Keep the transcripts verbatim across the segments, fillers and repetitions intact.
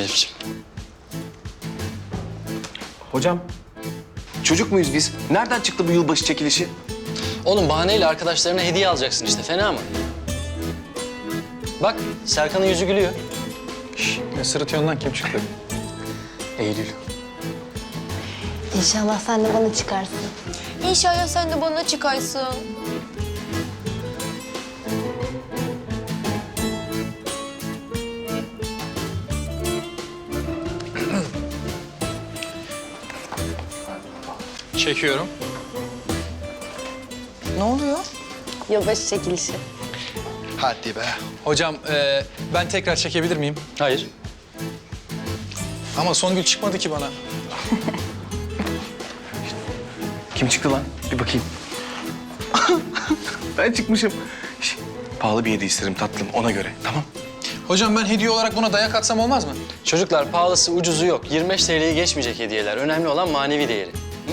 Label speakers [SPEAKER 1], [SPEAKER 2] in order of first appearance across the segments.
[SPEAKER 1] Elif'ciğim.
[SPEAKER 2] Hocam, çocuk muyuz biz? Nereden çıktı bu yılbaşı çekilişi?
[SPEAKER 1] Oğlum bahaneyle arkadaşlarına hediye alacaksın işte. Fena mı? Bak Serkan'ın yüzü gülüyor.
[SPEAKER 3] Şş, ne sırıtıyorsun lan, kim çıktı?
[SPEAKER 2] Eylül.
[SPEAKER 4] İnşallah sen de bana çıkarsın.
[SPEAKER 5] İnşallah sen de bana çıkarsın.
[SPEAKER 3] Çekiyorum.
[SPEAKER 5] Ne oluyor?
[SPEAKER 4] Yılbaşı çekilişi.
[SPEAKER 3] Hadi be. Hocam e, ben tekrar çekebilir miyim?
[SPEAKER 1] Hayır.
[SPEAKER 3] Ama Songül çıkmadı ki bana.
[SPEAKER 2] Kim çıktı lan? Bir bakayım. Ben çıkmışım. Şş, pahalı bir hediye isterim tatlım, ona göre. Tamam.
[SPEAKER 3] Hocam ben hediye olarak buna dayak atsam olmaz mı?
[SPEAKER 1] Çocuklar pahalısı ucuzu yok. yirmi beş T L'yi geçmeyecek hediyeler. Önemli olan manevi değeri. Hı?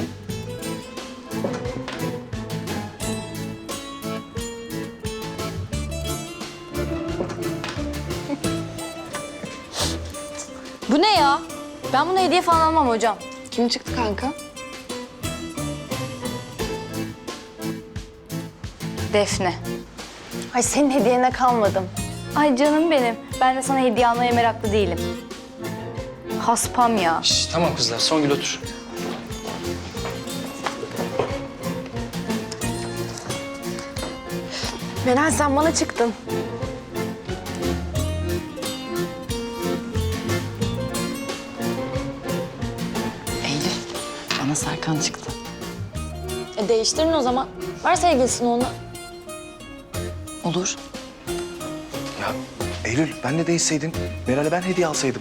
[SPEAKER 5] Bu ne ya? Ben buna hediye falan almam hocam.
[SPEAKER 4] Kim çıktı kanka?
[SPEAKER 5] Defne.
[SPEAKER 4] Ay senin hediyene kalmadım.
[SPEAKER 5] Ay canım benim. Ben de sana hediye almaya meraklı değilim. Haspam ya.
[SPEAKER 1] Şş, tamam kızlar, Songül otur.
[SPEAKER 4] Meral sen bana çıktın.
[SPEAKER 6] Eylül, bana Serkan çıktı.
[SPEAKER 5] E değiştirin o zaman. Ver sevgilisini ona.
[SPEAKER 6] Olur.
[SPEAKER 2] Ya Eylül, ben de değişseydin. Meral'e ben hediye alsaydım.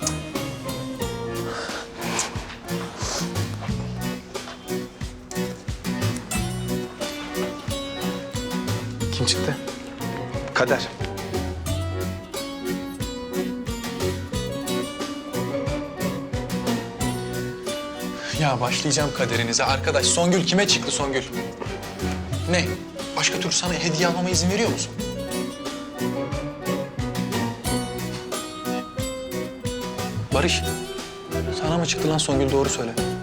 [SPEAKER 3] Kim çıktı?
[SPEAKER 2] Kader.
[SPEAKER 3] Ya başlayacağım kaderinize arkadaş. Songül kime çıktı Songül? Ne? Başka türlü sana hediye almama izin veriyor musun? Barış, sana mı çıktı lan Songül, doğru söyle.